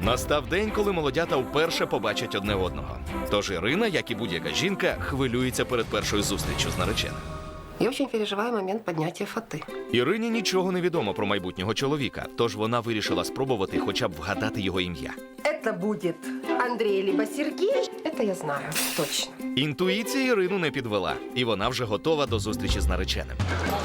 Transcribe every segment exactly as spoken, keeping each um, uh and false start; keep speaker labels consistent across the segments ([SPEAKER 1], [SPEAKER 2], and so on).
[SPEAKER 1] Настав день, коли молодята вперше побачать одне одного. Тож Ірина, як і будь-яка жінка, хвилюється перед першою зустрічю з нареченим.
[SPEAKER 2] Я очень переживаю момент поднятия фаты.
[SPEAKER 1] Ірині нічого не відомо про майбутнього чоловіка, тож вона вирішила спробувати хоча б вгадати його ім'я.
[SPEAKER 2] Это будет Андрей либо Сергей. Это я знаю, точно.
[SPEAKER 1] Інтуїція Ірину не підвела, і вона вже готова до зустрічі з нареченим.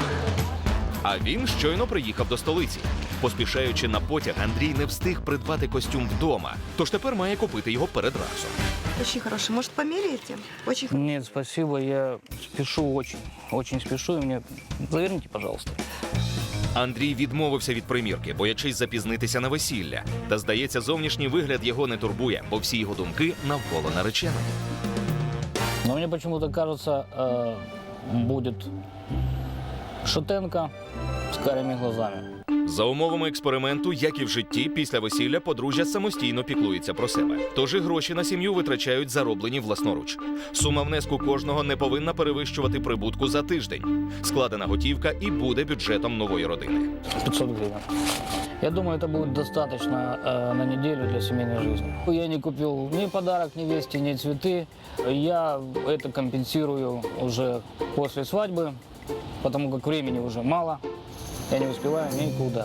[SPEAKER 1] А він щойно приїхав до столиці. Поспішаючи на потяг, Андрій не встиг придбати костюм вдома, тож тепер має купити його перед рейсом.
[SPEAKER 3] Очень хороший. Может, померяете? Очень хороший.
[SPEAKER 4] Нет, спасибо, я спешу очень. Очень спешу, и мне заверните, пожалуйста.
[SPEAKER 1] Андрій відмовився від примірки, боячись запізнитися на весілля. Та, здається, зовнішній вигляд його не турбує, бо всі його думки навколо нареченої.
[SPEAKER 4] Но мне почему-то кажется, э, будет шатенка с карими глазами.
[SPEAKER 1] За умовами експерименту, як і в житті, після весілля подружжя самостійно піклується про себе. Тож і гроші на сім'ю витрачають зароблені власноруч. Сума внеску кожного не повинна перевищувати прибутку за тиждень. Складена готівка і буде бюджетом нової родини.
[SPEAKER 4] пятьсот гривен. Я думаю, это будет достаточно э, на неделю для семейной жизни. Я не купил ни подарок невесте, ни цветы. Я это компенсирую уже после свадьбы, потому как времени уже мало. Я не успеваю никуда.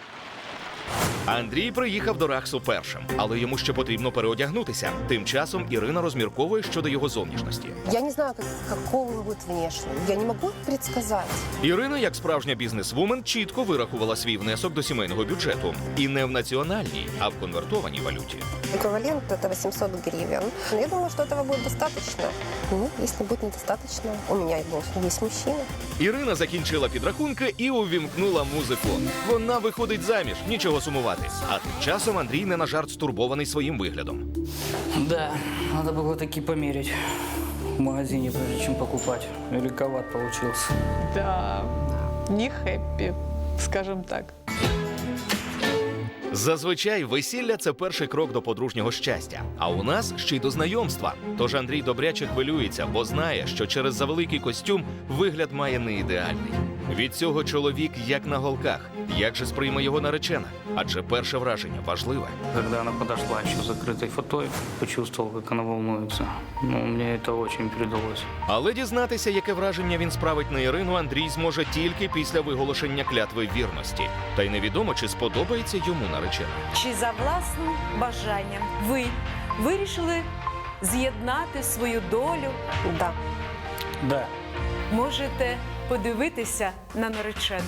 [SPEAKER 1] Андрій приїхав до Рахсу першим, але йому ще потрібно переодягнутися. Тим часом Ірина розмірковує щодо його зовнішності.
[SPEAKER 2] Я не знаю, как, какого он будет внешне. Я не могу предсказать.
[SPEAKER 1] Ірина, як справжня бізнесвумен, чітко вирахувала свій внесок до сімейного бюджету. І не в національній, а в конвертованій валюті.
[SPEAKER 2] Эквивалент это восемьсот гривен. Но я думаю, что этого будет достаточно. Ну, если будет недостаточно, у меня есть мужчина.
[SPEAKER 1] Ірина закінчила підрахунки і увімкнула музику. Вона виходить заміж, нічого сумувати. А тим часом Андрій не на жарт стурбований своїм виглядом.
[SPEAKER 4] Да, надо было таки померить в магазине, прежде чем покупать. Великоват получился.
[SPEAKER 5] Да, не хэппи, скажем так.
[SPEAKER 1] Зазвичай весілля – це перший крок до подружнього щастя. А у нас ще й до знайомства. Тож Андрій добряче хвилюється, бо знає, що через завеликий костюм вигляд має не ідеальний. Від цього чоловік як на голках. Як же сприйме його наречена? Адже перше враження важливе.
[SPEAKER 4] Когда она подошла еще с закрытой фатой, почувствовал, как она волнуется. Ну, мне это очень передалось.
[SPEAKER 1] Але дізнатися, яке враження він справить на Ірину, Андрій зможе тільки після виголошення клятви вірності. Та й невідомо, чи сподобається йому наречена.
[SPEAKER 6] Чи за власним бажанням ви вирішили з'єднати свою долю?
[SPEAKER 2] Да.
[SPEAKER 4] Да.
[SPEAKER 6] Можете подивитися на наречену.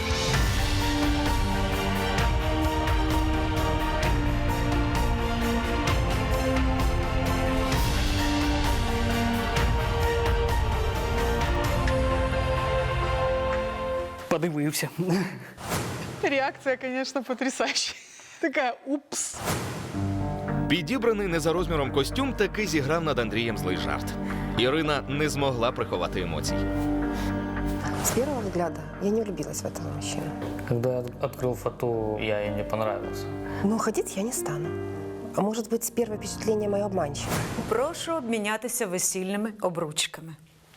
[SPEAKER 4] Подивився.
[SPEAKER 5] Реакция, конечно, потрясающая. Такая, упс.
[SPEAKER 1] Підібраний не за розміром костюм таки зіграв над Андрієм злий жарт. Ірина не змогла приховати емоцій.
[SPEAKER 2] С первого взгляда я не влюбилась в этого мужчину.
[SPEAKER 4] Когда я открыл фото, я ей не понравился.
[SPEAKER 2] Но ходить я не стану. А может быть, первое впечатление мое обманчиво.
[SPEAKER 6] Прошу обмінятися весільними обручками.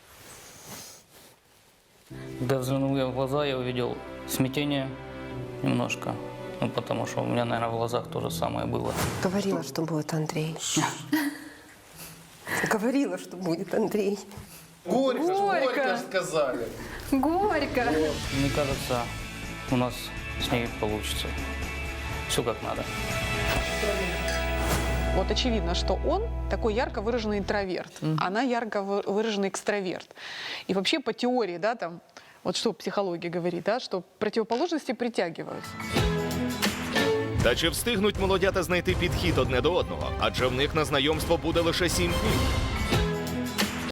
[SPEAKER 4] Когда взглянул я в глаза, я увидел смятение немножко. Ну, потому что у меня, наверное, в глазах то же самое было.
[SPEAKER 2] Говорила, что будет Андрей. Говорила, что будет Андрей.
[SPEAKER 7] Горько, же, горько же сказали.
[SPEAKER 3] Горько.
[SPEAKER 4] Мне кажется, у нас с ней получится. Все как надо.
[SPEAKER 5] Вот очевидно, что он такой ярко выраженный интроверт, она ярко вы- выраженный экстраверт. И вообще по теории, да, там, вот что психология говорит, да, что противоположности притягиваются.
[SPEAKER 1] Та чи встигнуть молодята знайти підхід одне до одного? Адже в них на знайомство буде лише сім днів.